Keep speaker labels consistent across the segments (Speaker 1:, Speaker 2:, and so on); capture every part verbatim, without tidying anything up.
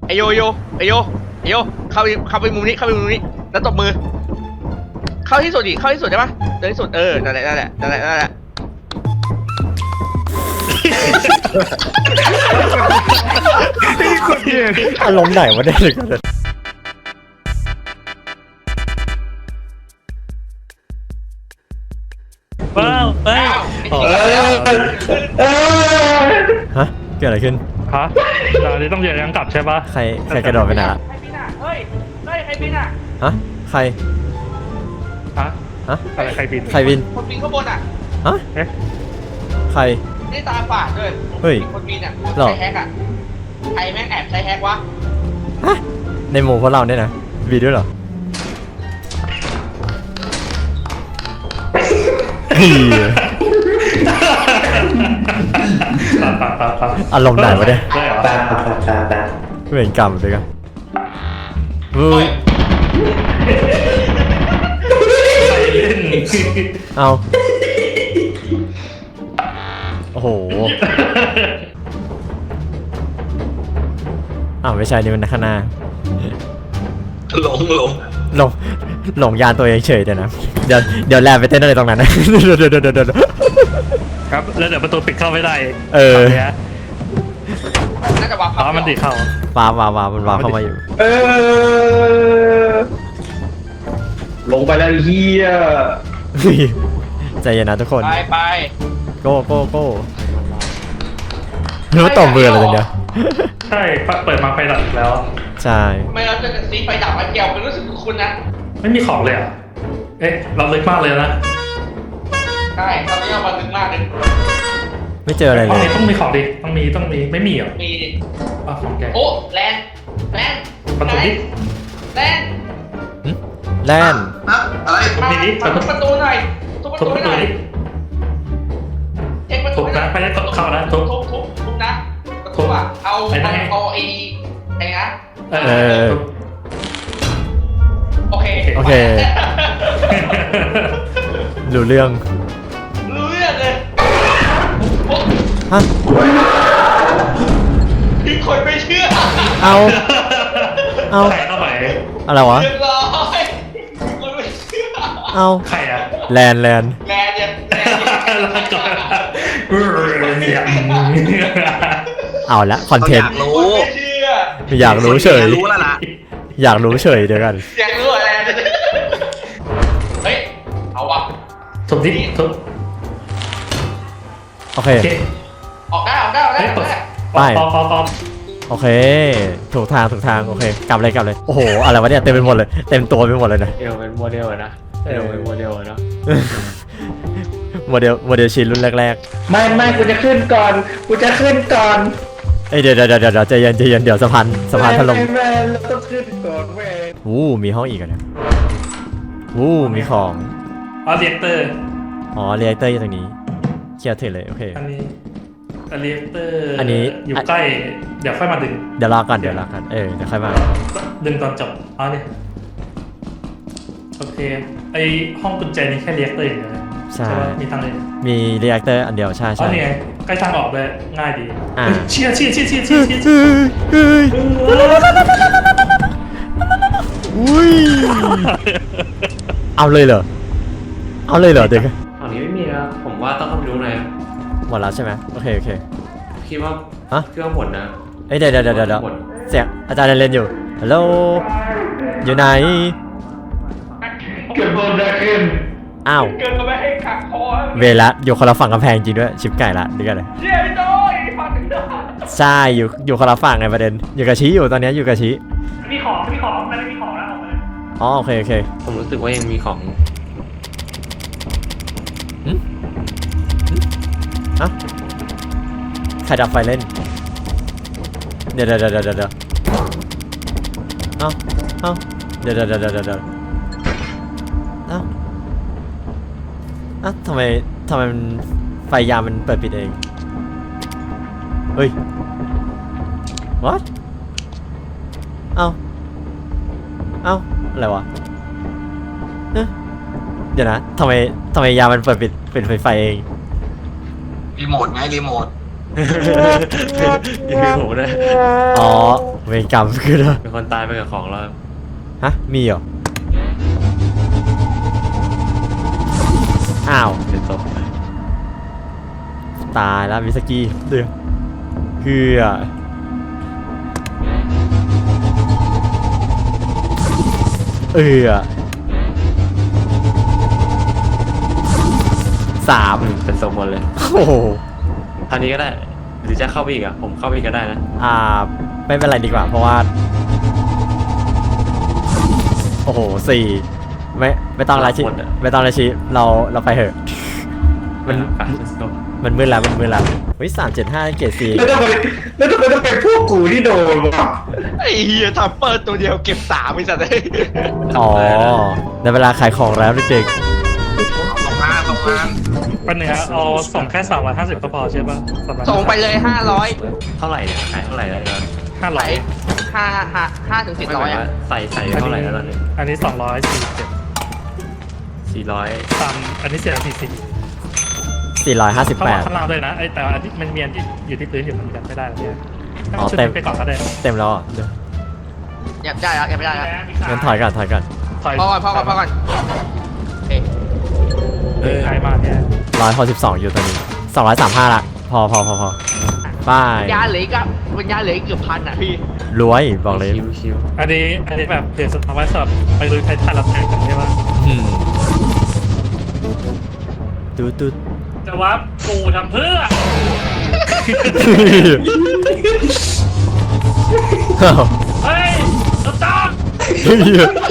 Speaker 1: ไอโยโยไอโยไอโยเข้าไปเข้าไปมุมนี้เข้าไปมุมนี้แล้วตบมือเข้าที่สุดดิเข้าที่สุดได้ปะเดินที่สุดเออนั่นแหละนั่นแหละนั่นแหละนั่นแหละ
Speaker 2: อารมณ์ไหนวะเนี่ย
Speaker 3: ว้าวเฮ้ย
Speaker 2: ฮะเกิดอะไรขึ้น
Speaker 3: ฮะเราจะต้องเดินยังกลับใช่ปะ
Speaker 2: ใครใครกระโดดไปไหนละ
Speaker 1: ใครบินอ่ะเฮ้ยเฮ้ยใครบินอ่ะ
Speaker 2: ฮะใคร
Speaker 3: ฮะ
Speaker 2: ฮะ
Speaker 3: อะไรใครบิน
Speaker 2: ใครบิน
Speaker 1: คนบินข้างบนอ่ะ
Speaker 2: ฮะใคร
Speaker 1: นี่ตาฝาดด้วย
Speaker 2: เฮ้ย
Speaker 1: คนบินอ่ะใช้แฮกอ่ะใครแม่งแอบใช้แฮกวะ
Speaker 2: ฮะในหมู่พวกเราเนี่ยนะบีด้วยเหรออารมณ์ไหนวะเนี่ยเวรกรรมเลยกันเฮ้ยเอาโอ้โหอ้าวไม่ใช่นี่มันข้างหน้า
Speaker 4: หลงหลง
Speaker 2: หลงหลงยานตัวเองเฉยเดี๋ยวนะเดี๋ยวเดี๋ยวแลบไปเต้นอะไรตรงนั้นนะเดี๋ยวเดี๋ยวเดี๋ยว
Speaker 3: ครับแล้วเดี๋ยวประตูปิดเข้าไม่ได้
Speaker 2: เออ
Speaker 1: น่าจะวาง
Speaker 3: อ๋อมันติดเข้า
Speaker 2: ว้าวว้าวว้าวมันว้าวเข้ามาอยู่
Speaker 4: เออลงไปแล้วเฮีย
Speaker 2: ใจเย็นนะทุกคน
Speaker 1: ไปไป
Speaker 2: โก้โก้โก้รู้ต่อมืออะไรตรงเนี้ย
Speaker 3: ใช่เปิดมาไฟดับแล้ว
Speaker 2: ใช่
Speaker 1: ทำไมเราจะสีไฟดับมาเกี่ยวมันรู้สึกคุ้นนะ
Speaker 3: ไม่มีของเลยอ่ะเอ๊ะเราลึกมากเลยนะ
Speaker 1: ใช่ตอนนี้เรามาลึกมากเลย
Speaker 2: ไม่เจออะไรเลย
Speaker 3: ต้องมีของดิต้องมีต้องมีไม่มีเหรอ
Speaker 1: มีดิ
Speaker 3: อ๋อของแก
Speaker 1: โอ้แลนแลน
Speaker 3: ประตูนี้
Speaker 1: แลน
Speaker 2: แลน
Speaker 4: อะไร
Speaker 3: ทุบนี่ดิ
Speaker 1: ทุบประตูหน่อยทุบประตูหน่อยเช็คประตู
Speaker 3: นะไปได้เข้านะทุบ
Speaker 1: ทุบทุบทุบนะประตูอ่ะเอาเอาไอ้ไอ้นะ
Speaker 2: เออ
Speaker 1: โอเค
Speaker 2: โอเครู้เรื่อง
Speaker 1: รู้เรื่องเลย
Speaker 2: ฮะ
Speaker 1: พี่คนไม่เชื่อ
Speaker 2: เอาเอา
Speaker 3: ใครเข้าไป
Speaker 2: อะไรวะ
Speaker 1: เรียบร้อยคนไม่เชื่อ
Speaker 2: เอา
Speaker 3: ใครอะ
Speaker 2: แลนแลน
Speaker 1: แลนเนี่ยแลน
Speaker 2: เอาละคอนเทนต์อยากรู้เฉย
Speaker 4: รู้แล้วล่ะ
Speaker 2: อยากรู้เฉยเดี๋ยวกัน
Speaker 1: อยากรู้อะไรเฮ้ยเอาวะ
Speaker 3: ทุบดิทุบ
Speaker 2: โอเค
Speaker 1: ออกได้ออกได้ออกได้
Speaker 2: ไปโอเคถูกทางถูกทางโอเคกลับเลยกลับเลยโอ้โหอะไรวะเนี่ยเต็มไปหมดเลยเต็มตัวไปหมดเลยนะ
Speaker 5: เอวเป็นโมเดลนะเอวเป็นโมเดลเนาะ
Speaker 2: โมเดลโมเดลชิ้นรุ่นแรก
Speaker 5: ๆไม่ไม่กูจะขึ้นก่อนกูจะขึ้นก่อน
Speaker 2: เอ้ยเดี๋ยวเดี๋ยวเดี๋ยวใจเย็นใจเย็นเดี๋ยวสะพานสะพานถล่ม
Speaker 5: แม่เราต้องขึ้นก่อนเว้ย
Speaker 2: วู้มีห้องอีกอ่ะเนี่ยวู้มีของ
Speaker 3: อ๋อเรียกเตอร์
Speaker 2: อ๋อเรียกเตอร์อยู่ตรงนี้เคลียร์เถอะเลยโอเค
Speaker 3: อันนี้เรียกเตอร์
Speaker 2: อันนี้
Speaker 3: อยู่ใกล้เดี๋ยวค่อยมาดึง
Speaker 2: เดี๋ยวรอก่อนเดี๋ยวรอก่อนเออเดี๋ยวค่อยมา
Speaker 3: ดึงตอนจบอ๋อเนี่ยโอเคไอห้องกุญแจนี้แค่เรียกเตอร์อย่างเดียว
Speaker 2: ใช่
Speaker 3: มีทางเลย
Speaker 2: มีเรียกเตอร์อันเดียวใช่ใช่
Speaker 3: อ๋อเนี่ยใกล้ทางออกเลยง่ายดีเชี่ยเชี่ยเชี่ยเชี่ยเ
Speaker 2: ชี่ยเชี่ยอุ้ยเอาเลยเหรอเอาเลยเหรอเด็ก
Speaker 5: ฝั่งนี้ไม่มีนะผมว่าต้องเข้าไปดูหน่อย
Speaker 2: หมดแล้วใช่ไหมโอเคโอเค
Speaker 5: คิดว่า
Speaker 2: ฮะ
Speaker 5: เครื่องหมดนะ
Speaker 2: เอ้ยเดี๋ยวเดี๋ยวเดี๋ยวเดี๋ยวเสียงอาจารย์เล่นอยู่ฮัลโหลอยู่ไหน
Speaker 1: เกิดโดนได้ขึ้น
Speaker 2: อ้าว
Speaker 1: เกิดก็ไม่ให้ขักคอ
Speaker 2: เวลาอยู่คนละฝั่งกำแพงจริงด้วยชิปไก่ละดีกันเลย
Speaker 1: เชี่ยพี่โต้ยฝั่งนึงด้วย
Speaker 2: ใช่อยู่อยู่คนละฝั่งไงประเด็นอยู่กับชี้อยู่ตอนนี้อยู่กับชี้
Speaker 1: มีของมีของไม่ได้มีของแล้วออกมาเลย
Speaker 2: อ๋อโอเคโอเค
Speaker 5: ผมรู้สึกว่ายังมีของ
Speaker 2: ฮะใครดับไฟเล่นเดี๋ยวเดี๋ยวเดี๋ยวเดี๋ยวเอ้าเอ้าเดี๋ยวเดี๋ยวเดี๋ยวเดี๋ยวเดี๋ยวเอ้าอ่ะทำไมทำไมมันไฟยามมันเปิดปิดเองเฮ้ย what เอ้าเอ้าอะไรวะเดี๋ยวนะทำไมทำไมยามมันเปิดปิดเป็นไฟไฟเอง
Speaker 4: รีโมทไงรีโมท
Speaker 5: นี่คือผมนะ
Speaker 2: อ๋อเวรกรรมคือเหรอ
Speaker 5: เป็นคนตายไปกับของแล้ว
Speaker 2: ฮะมีเหรออ้าว
Speaker 5: เป็นศพ
Speaker 2: ตายแล้วมิสกี้เดือคืออ่ะเออสาม
Speaker 5: เป็นศพหมดเลย
Speaker 2: โอ้โห
Speaker 5: ทางนี้ก็ได้หรือจะเข้าไปอีกอ่ะผมเข้าไปอีกก็ได้นะ
Speaker 2: อ่าไม่เป็นไรดีกว่าเพราะว่าโอ้โหสี่ไม่ไม่ต้องละชิไม่ต้องละชิเราเราไปเถอะมัน
Speaker 5: อ่ะ let's go
Speaker 2: มันมืดแล้วมันมืดแล้วเฮ้ยสามเจ็ดห้าเกรดสี่
Speaker 4: แล้วทำไมแล้วทำไมต้องเป็นพวกกูที่โดนวะ
Speaker 1: ไอ้เหี้ยทัมเปอร์ตัวเดียวเก็บสามไอ้สัตว์เลย
Speaker 2: อ๋อในเวลาขายของแล้วเด็ก
Speaker 1: สองมาสองมา
Speaker 3: ปันหนึ่งอะเอาส่งแค่สามร้อยห้าสิบก็พอใช่ป่ะ
Speaker 1: ส่งไปเลยห้าร้อย
Speaker 5: เท่าไหร่เนี่ยขายเท่าไหร่แล้วตอน
Speaker 3: ห้าร้
Speaker 1: ไหล
Speaker 3: อย
Speaker 1: ห้าห้าห้าถึงสิบ
Speaker 5: ไม่ห
Speaker 1: ร้อ
Speaker 5: มาย ย
Speaker 1: อ่ะ
Speaker 5: ว่าใส่ใส่เท่าไหร่แล้วตอนนี้
Speaker 3: อันนี้สองร้อยสี่สิบเจ็ด
Speaker 5: สี่ร้อย
Speaker 3: ตามอันนี้เสียสี่สิบ
Speaker 2: ๆสี่ร้อยห้าสิบ
Speaker 3: เขา
Speaker 2: แป
Speaker 3: บอก
Speaker 2: ด
Speaker 3: ข้างล่างด้วยนะไอแต่อันที่มันมีอันที่อยู่ที่พื้นอยู่มันกันไม่ได้หรอเนี่ย
Speaker 2: อ๋อ
Speaker 3: ชุด
Speaker 2: เต็ม
Speaker 3: นี้ไปก่อนก็ได้
Speaker 2: เต็มแล้วอ่ะเดี๋ยว
Speaker 1: อยากได้แล้วอยากไม่ได้แล้ว
Speaker 2: งั้นถอยก่อนถอยก่อน
Speaker 3: ถอย
Speaker 1: พอก่อนพอก่อนพอก่อนเอ๊ะ
Speaker 5: เออ
Speaker 3: ใกล้มากเนี่ย
Speaker 2: ร้อยหกสิบสองอยู่ตอนนี้สองร้อยสามห้าละพอพอพอพอป้าย
Speaker 1: ยาเหลืออีกอะเป็นยาเหลืออีกเกือบพันอ่ะพี่
Speaker 2: รวยบอกเลย
Speaker 5: ชิวชิว
Speaker 3: อันนี้อันนี้แบบเปลี่ยนสถาบันสอบไปลุยไททันรับแทนกันใช่ป่ะ
Speaker 2: อืมตูดตูด
Speaker 3: จะว่าปูทำเพื่อ
Speaker 2: อ้าว
Speaker 3: เฮ้ยตุ๊ต้า
Speaker 2: เฮ้ย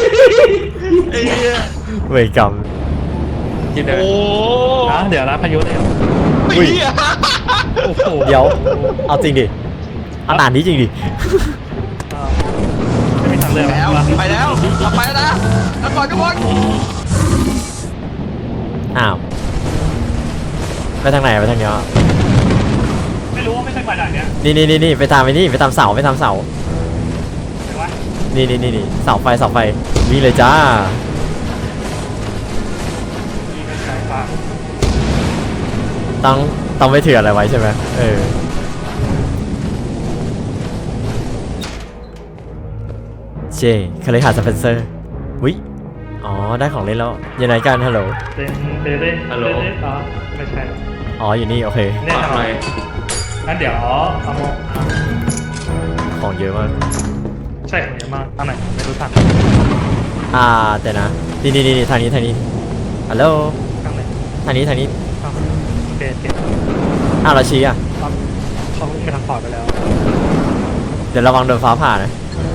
Speaker 2: เวรกรรม
Speaker 5: กินเลย
Speaker 1: โอ้
Speaker 3: นะเดี๋ยวนะพายุเนี่ย
Speaker 2: อุ้ย
Speaker 1: เหี้ย
Speaker 3: โอ้โห
Speaker 2: เดี๋ยวเอาจริงดิเอาหนานนี้จริงดิ
Speaker 3: อ่าไม่มีทางเลือก
Speaker 1: แล้ว
Speaker 3: แล้ว
Speaker 1: ไปแล้วเราไปแล้วนะแล้วก่อนทุกคน
Speaker 2: อ้าวไปทางไหนไปทางเนี้ย
Speaker 3: ไม่รู้ว่าไม่ใช่กว่าด่านเนี้ย
Speaker 2: นี่นี่นี่นี่ไปตามไปนี่ไปตามเสาไปตามเสา
Speaker 3: แต่ว่า
Speaker 2: นี่นี่นี่นี่เสาไฟเสาไฟวิ่งเลยจ้า
Speaker 3: มีไม่ใช่ป่ะ
Speaker 2: ต้องต้องไม่ถืออะไรไว้ใช่ไหมเออเจคาเลหาสเปนเซอร์วิอ๋อได้ของเล่นแล้วยังไงกันฮัลโหล
Speaker 3: เต้นเต้นเต้นเต้นอ๋อไม่ใช่
Speaker 2: อ๋ออยู่นี่โอเค
Speaker 3: แน่น
Speaker 5: ทำ
Speaker 3: อ
Speaker 5: ไม
Speaker 3: นงั้นเดี๋ยวเอาโม
Speaker 2: ของเยอะมาก
Speaker 3: ใช่ของเยอะมากทางไหนไม่รู้ทาง
Speaker 2: อ่าแต่นะนี่นี่นี่ทางนี้ทางนี้ฮัลโหล
Speaker 3: ทางไหน
Speaker 2: ทางนี้ทางนี้
Speaker 3: อ้าวโอเคโอเค
Speaker 2: อ้าวเราชี้อ่ะ
Speaker 3: ครับเขาไปทางขวาไปแล้ว
Speaker 2: เดี๋ยวระวังโดนฟ้าผ่านะ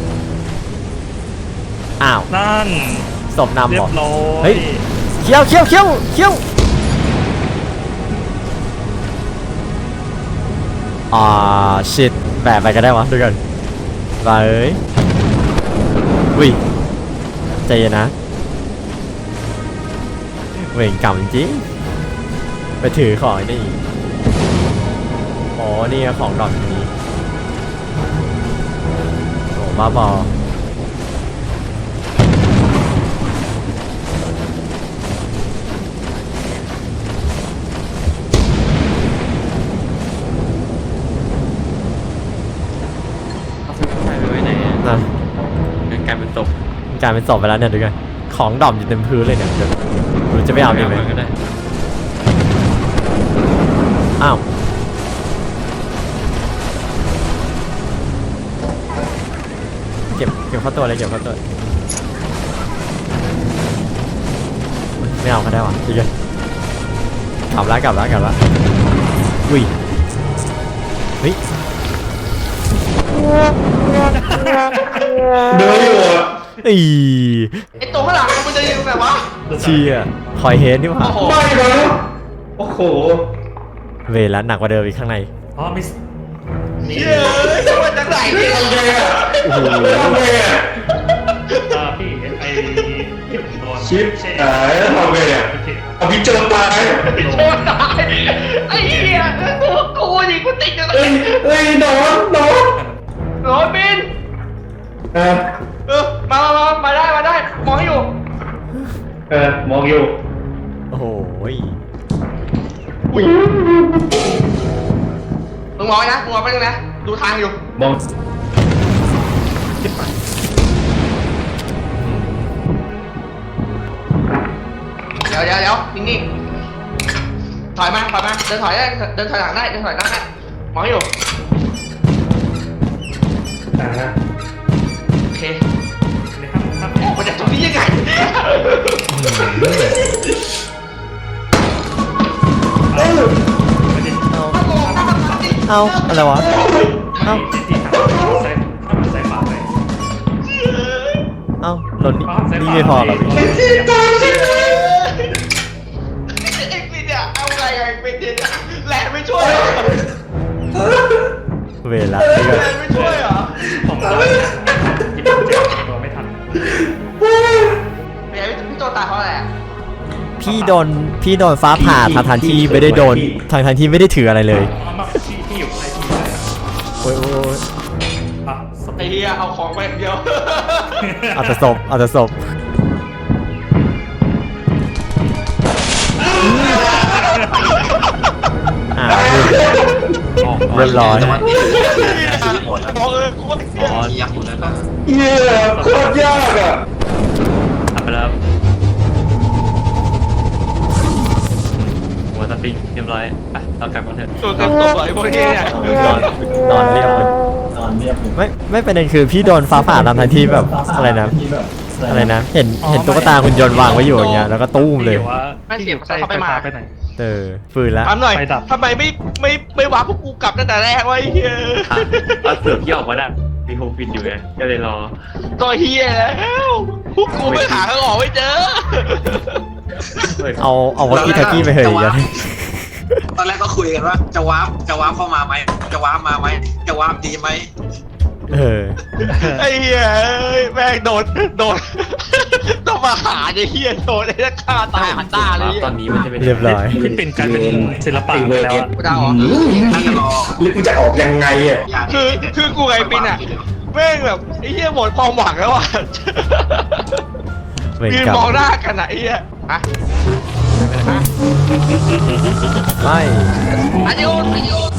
Speaker 2: อ้าว
Speaker 3: นั่น
Speaker 2: ศพนำ
Speaker 3: เรี
Speaker 2: บ
Speaker 3: ย
Speaker 2: อก
Speaker 3: บร้อย
Speaker 2: เฮ้ย เขี้ยวเขี้ยวเขี้ยวเขี้ยวอ่าชิตแปะไปก็ได้วะดูกันไปเอ้ยวิใจเย็นนะเวรกรรมจริงไปถือของไอ้นี่อ๋อนี่ไงของดอกนี้โอ้บ้าบอ
Speaker 5: เอาซื้อใส่ไปไว้ไหนอะ
Speaker 2: นะ
Speaker 5: เป็นกลายเป็นศพ
Speaker 2: กลายเป็นศพไปแล้วเนี่ยดูกันของดอมอยู่เต็มพื้นเลยเนี่ยเดี๋ยวหรือจะไม่เอาดีไหม
Speaker 5: ก็ได้
Speaker 2: อ้าวเก็บเก็บเข้าตัวเลยเก็บเข้าตัวไม่เอาก็ได้วะดีกันกลับแล้วกลับแล้วกลับแล้วอุ้ยเฮ้ย
Speaker 4: เดินอยู่อ่ะ
Speaker 2: อี
Speaker 1: ไอตัวข้างหลังมันจะยิงแบบวะ
Speaker 2: เชียคอยเฮดนี่หว่า
Speaker 1: โอ้โห
Speaker 4: ไม่นะโอ้โห
Speaker 2: เวลาหนักกว่าเดิมอีกข้างใน
Speaker 3: อ๋อมิส
Speaker 1: เย้ยจะมาจากไหนเนี่ย
Speaker 4: ทำไงอ่ะ
Speaker 2: โอ้โห
Speaker 4: ทำไงอ่ะ
Speaker 3: อ่าพี่ไอที่ผมโดน
Speaker 4: ชิป
Speaker 3: ใช่
Speaker 4: หายแล้วทำไงอ่ะ
Speaker 3: โอเค
Speaker 4: เอาพี่โจรตาย
Speaker 1: โชว์ตายไอ้เหี้ยตัวกูดิกูติดอยู่ตรง
Speaker 4: เอ้ย
Speaker 1: นี้
Speaker 4: เอ้ยนอนนอน
Speaker 1: โรบิน
Speaker 4: เออ
Speaker 1: เออมามามามาได้มาได้มองอยู่
Speaker 4: เออมองอยู่
Speaker 2: โอ้โห
Speaker 1: มึงมองไว้นะมึงมองไปตรงนะดูทางอยู่
Speaker 4: มอง
Speaker 1: เดี๋ยวเดี๋ยวเดี๋ยวนิ่งๆถอยมาถอยมาเดินถอยได้เดินถอยหลังได้เดินถอยหลังได้มองอยู่
Speaker 3: อ่าฮะ
Speaker 1: โอเค
Speaker 3: ในห้องห้อง
Speaker 1: ออกมาจากตรงนี้ยังไง
Speaker 3: ไม่ได้
Speaker 2: เอาอะไรวะ เอ้า
Speaker 3: ที่ที่ทางซ้ายข้างซ้ายขวาไป
Speaker 2: เอ้าหล่นนี่
Speaker 3: ข้างซ้ายข
Speaker 2: นี่
Speaker 3: วา
Speaker 2: ไม่พอเหรอพี่
Speaker 1: เอ็กซ์เนี่ยเอาไงไอ้เป็นเนี่ยแหลมไม่ช่วยเหรอ
Speaker 2: เวลาเดี๋ยว
Speaker 1: แหล
Speaker 2: ก่อน
Speaker 1: มไม่ช่วยเหรอ
Speaker 3: ผมก็หยิบกุญแจตัวไม่ทัน
Speaker 1: แหลมพี่โจตายเพราะอะไรอ่ะ
Speaker 2: พี่โดนพี่โดนฟ้าผ่าทางทางที่ไม่ได้โดนทางทางที่ไม่ได้ถืออะไรเลย
Speaker 3: เอามาที่ที่อยู่ในที่เลย
Speaker 2: โอ้ยโอ้ย
Speaker 3: อ่ะส
Speaker 1: ไอ้
Speaker 3: ปีด
Speaker 1: เหี้ยเอาของไปอย่างเดียว
Speaker 2: เอาแต่ศพเอาแต่ศพอ่าเรียบร้อย
Speaker 1: บอกเออกูว่า
Speaker 5: อ๋อยักษ์หมดแล้วก็
Speaker 4: เหี้ยโคตรยากอ่ะ
Speaker 5: ทำไปแล้วหัวสปริงเรียบร้อยไปเรากลับกันเถอะ
Speaker 1: ตัวเต็มตัวไอ้พวกนี้เนี่ย
Speaker 2: นอนนอนเรียบเลยไม่ไม่ประเด็นคือพี่โดนฟ้าผ่าตามทางที่แบบอะไรนะอะไรนะ เห็นเห็นตุ๊กตาคุณยนต์วางไว้อยู่อย่างเงี้ยแล้วก็ตู้มเลย
Speaker 3: ที่อว่าที่อยู่ใกล้ไฟฟ้าไปไหน
Speaker 2: เออฟืนแล้ว
Speaker 1: ถามหน่อย
Speaker 3: ไฟดับ
Speaker 1: ทำไมไม่ไม่ไม่วางพวกกูกลับตั้งแต่แรกวะไอ้เหี้ย
Speaker 5: อ่ะเอาเสือกที่ออกมาได้มีโฮมฟินอยู่ไงก็เลยรอ
Speaker 1: ตัวเหี้ยแล้วพวกกูไม่หาทางออกไม่เจอ
Speaker 5: เฮ้ย
Speaker 2: เอาเอาวอตกี้ทักกี้ไปเหยอย่างเงี้ย
Speaker 6: ตอนแรกก็คุยกันว่าจะวาร์ปจะวาร์ปเข้ามาไหมจะวาร์ปมาไหมจะวาร์ปดีไหม
Speaker 2: เออ
Speaker 1: ไอ้เหี้ยแม่งโดนโดนต้องมาหาไอ้เหี้ยโดนไอ้นักฆ่าตายหันตาเลย
Speaker 5: ตอนนี้มันจะเป็น
Speaker 2: เรียบร้อย
Speaker 3: ที่เป็นการเป็นศิลปะไปแล้วอะ
Speaker 1: กูเดาเหรอ
Speaker 6: น่าจะรอ
Speaker 4: หรือกูจะออกยังไงอ่ะ
Speaker 6: อยาก
Speaker 1: คือคือกูไงปินอ่ะแม่งแบบไอ้เหี้ยหมดความหวังแล้วอ่ะ
Speaker 2: เวร
Speaker 1: ยืน
Speaker 2: กรรม
Speaker 1: มองหน้ากันอ่ะไอ้เหี้ยอะ
Speaker 2: ไม่
Speaker 1: อันนี้โอนอันนี้โอน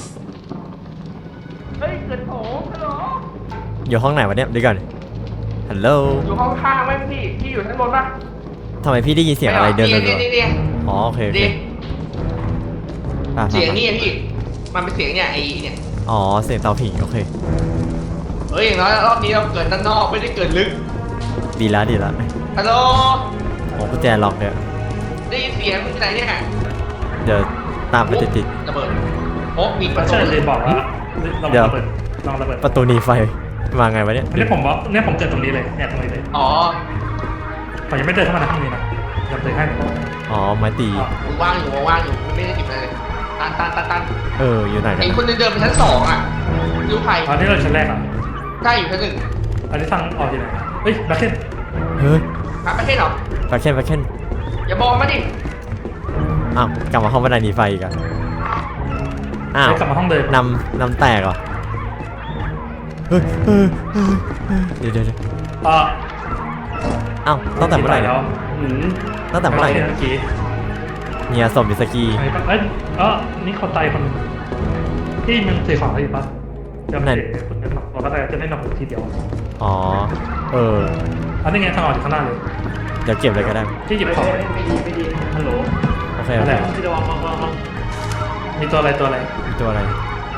Speaker 1: เฮ้ยเกิดโถฮัลโหล
Speaker 2: อยู่ห้องไหนวะเนี่ยเดี๋ยวก่อนฮัลโหล
Speaker 1: อยู่ห้องข้างไหมพี่พี่อยู่ชั้นบนปะ
Speaker 2: ทำไมพี่ได้ยินเสียงอะไรเดิน
Speaker 1: นี่
Speaker 2: รัว
Speaker 1: นี่นี่
Speaker 2: ๆอ๋อโอเคโอเค
Speaker 1: ดิ
Speaker 2: อ่ะ
Speaker 1: เสียงนี่อะพี่มันเป็นเสียงเนี่ยไอ้เนี่ย
Speaker 2: อ๋อเสียงเตาผิงโอเค
Speaker 1: เฮ้ยอย่างน้อยรอบนี้เราเกิดด้านนอกไม่ได้เกิดลึก
Speaker 2: ดีละดีละ
Speaker 1: ฮัลโหล
Speaker 2: โอ้กุญแจล็อกเนี่ย
Speaker 1: ได้ยินเสียงมึงที่ไหนเนี่ย
Speaker 2: เดี๋ยวตามไปติด
Speaker 1: ระเบิดโอ้มีประตู
Speaker 3: ใช่เลยบอกว่าลอง
Speaker 2: เดี๋ยว
Speaker 3: ระเบิดลองระเบิด
Speaker 2: ๆประตูหนีไฟมาไงวะเนี่ย
Speaker 3: อันนี้ผมว่าเนี่ยผมเจอตรงนี้เลยเนี่ยตรงนี้เลย
Speaker 1: อ๋อ
Speaker 3: ผมยังไม่เดินเข้ามาในห้องนี้นะยังเดินให้
Speaker 2: อ๋อไม้ตี
Speaker 1: มึงว่างอยู่มึงว่างอยู่มึงไม่ได้หยิบอะไรเลยตันตันตันตัน
Speaker 2: เอออยู่ไหนกัน
Speaker 1: เห็นคนเดินเดินไปชั้นสองอ่ะดูใคร
Speaker 3: อันนี้เราชั้นแรกอ่ะ
Speaker 1: ใกล้อยู่ชั้นหนึ่ง
Speaker 3: อันนี้ทางออกที่ไหนเฮ้ยแบ็คเคน
Speaker 2: เฮ้ย
Speaker 1: หาประเทศเหรอ
Speaker 2: ปาเคนปาเคน
Speaker 1: อย่าบอกมาดิ
Speaker 2: อ้าวกลับมาห้องบันไดหนีไฟอีกอะอ้าว
Speaker 3: กลับมาห้องเดิม
Speaker 2: นำนำแตกเหรอเฮ้ยเฮ้ยเฮ้ยเฮ้ยเดี๋ยวเดี๋ยวเดี๋ยว
Speaker 3: อ่า
Speaker 2: อ้าวตั้งแต่เมื่อไหร่เนี่ย
Speaker 3: แล้วอืม
Speaker 2: ตั้งแต่เมื่อไหร่
Speaker 3: เมื่
Speaker 2: เนี่ย
Speaker 3: อกี้
Speaker 2: เนี่ยสมบิสกี
Speaker 3: ไอ้ปะเอ้ยเออนี่คนตายคนที่มันสื่อของอะไรอยู่ปะจำได้คนนั้นหรอกเราก็จะได้หนักทีเดียว
Speaker 2: อ๋อเออ
Speaker 3: อันนี้ไงทางออกจากข้างหน้าเลย
Speaker 2: เดี๋ยวเก็บเลยก็ได้
Speaker 3: ที่หยิบของ
Speaker 1: ไม่ดีไม่ดีฮัลโหล
Speaker 2: โอเคโอ
Speaker 3: อะไร
Speaker 2: เค
Speaker 1: ที่ระวังระวังระวัง
Speaker 3: มีตัวอะไรตัวอะไร
Speaker 2: มีตัวอะไร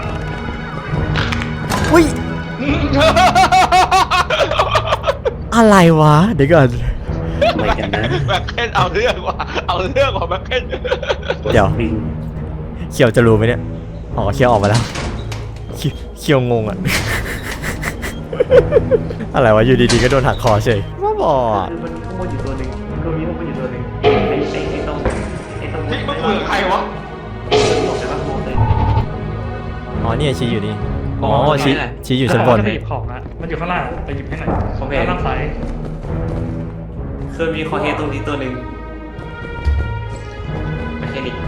Speaker 2: อุ้ยอะไรวะเดี๋ยวก่อน
Speaker 5: อะไรกันนะ
Speaker 1: แบ็คเคนเอาเรื่องว่ะเอาเรื่องของแบ็คเคน
Speaker 2: เดี๋ยวเคียวจะรู้ไหมเนี่ยอ๋อเคียวออกมาแล้วเคียวเคียวงงอะ อะไรวะอยู่ดีๆก็โดนหักคอเฉยว่าบอด
Speaker 5: มันข้างบนอยู่ตัวหนึ่งตรงนี้ข้างบนอยู่ตัวหนึ่งไอ้ไอ้ไอ้ตรงไอ้ตรง
Speaker 1: ที่มึงคุยกับใครวะ
Speaker 5: แต่ว่าโมเดล
Speaker 2: อ๋อนี่ชี้อยู่นี่อ๋อ
Speaker 5: อ๋อ
Speaker 2: ชี้
Speaker 5: ตรงนี้แหละ
Speaker 2: ชี้อยู่ชั้นบน
Speaker 3: จะไปหยิบของนะมันอยู่ข้างล่างไปหยิบให้หน่อย
Speaker 5: ผมเห็น
Speaker 3: ด้านล่างซ้าย
Speaker 5: เคยมีคอเฮดตรงนี้ตัวหนึ่งไม่ใช่นี่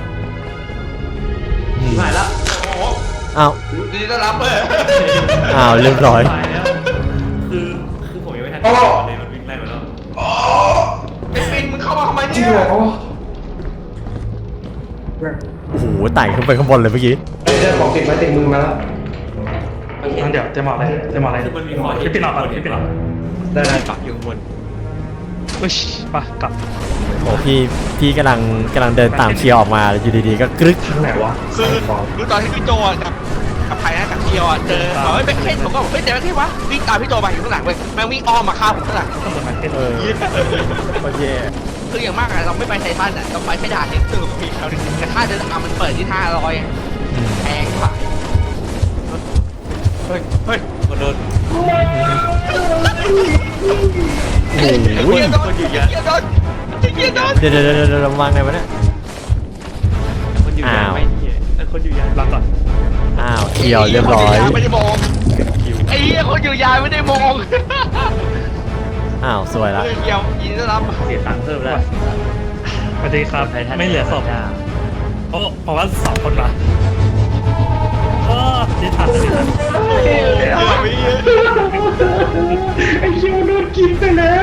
Speaker 5: หายแล้ว
Speaker 1: โอ้โห
Speaker 2: อ้าว
Speaker 1: ดีต้อนรับเลย
Speaker 2: อ้าวเรียบร้อย
Speaker 5: ตายแล้วคือคือผมยังไม่ทันได้ก่อนเลยมันวิ่งไล่มาแล้ว
Speaker 1: ไอ้ปินมึงเข้ามาทำไม
Speaker 4: จริ
Speaker 1: เนี่
Speaker 4: ง
Speaker 1: ย
Speaker 4: เหรอ
Speaker 2: โอ้โหไต่ขึ้นไปข้างบนเลยเมื่อกี้
Speaker 3: เอ้ย
Speaker 4: ได้ของติดไม้ติดมือมาแล้ว
Speaker 3: งั้นเดี๋ยวจะมาอะไรจะมาอะไรพี่ปิ่นหลับก่อนพี่ปิ่นหลับ
Speaker 4: ได้ได้
Speaker 5: ปักอยู่ข้างบน
Speaker 3: อุ้ยไปกลับ
Speaker 2: โอ้พี่พี่กำลังกำลังเดินตามเคียวออกมาอยู่ดีๆก็กรึก
Speaker 4: ทางไหนวะ
Speaker 1: คือคือตอนที่พี่โจอ่ะกับกับใครนะกับเคียวอ่ะเจอบอกว่าเป็นเพ่นผมก็บอกเฮ้ยเดี๋ยวที่วะวิ่งตามพี่โจมาอยู่ข้างหลังเว้ยแม่งวิ่งอ้อมมาฆ่าผมข้างหลัง
Speaker 3: ต้องเหมือนมันเป็น
Speaker 2: เออโอเค
Speaker 1: คืออย่างมากอะเราไม่ไปไททันอะเราไปแค่ด่านนี้คือพี่เขาดึงแต่ค่าเดินทางมันเปิดที่ห้าร้อย
Speaker 2: อืม
Speaker 1: แพงกว่าเฮ้ยเฮ้ย
Speaker 5: คนโดน
Speaker 2: โอ้โห
Speaker 1: เกียร์โดนเกียร์โดนเกียร์โดน
Speaker 2: เดี๋ยวเดี๋ยวเดี๋ยวเดี๋ยววางไงวะเนี่ย
Speaker 5: คนอยู่ยานไหมเนี่ยเออคนอยู่ยาน
Speaker 3: หลับก่อน
Speaker 2: อ้าวเคียวเรียบร้อย
Speaker 1: ไม่ได้มองไอ้เหี้ยคนอยู่ยานไม่ได้มอง
Speaker 2: อ้าวสวยละ
Speaker 1: เฮ้ยเกียวยินดีต้อนรับ
Speaker 5: เสียตังค์เพิ่มแล้ว
Speaker 3: สวัสดีครับไม่เหลือศพโอ้ผมว่าสองคนละเออดิทันดิทัน
Speaker 4: ไอ้คิวโดนกินไปแล้ว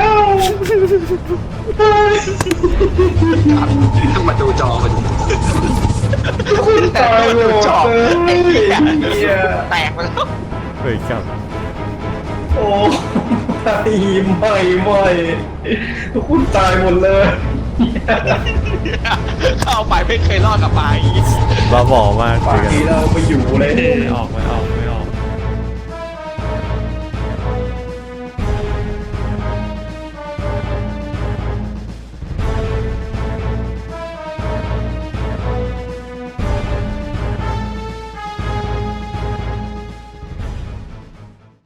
Speaker 6: ต้องมาดูจอมัน
Speaker 4: คุณตายเลย
Speaker 1: จอบ
Speaker 4: เอ้
Speaker 1: ไอ้
Speaker 4: ย
Speaker 1: เหี้ย
Speaker 4: เหี้ย
Speaker 1: แตกไปแล้ว
Speaker 2: เฮ้ยครับ
Speaker 4: โอ้ตายไม่ไม่คุณตายหมดเลย
Speaker 1: เข้าไปไม่เคยรอดกับไป
Speaker 2: บ้าบอมาก
Speaker 4: ป่า
Speaker 2: เลยกัน
Speaker 4: นี้เราไปอยู่เลย
Speaker 5: ออกไปออกไป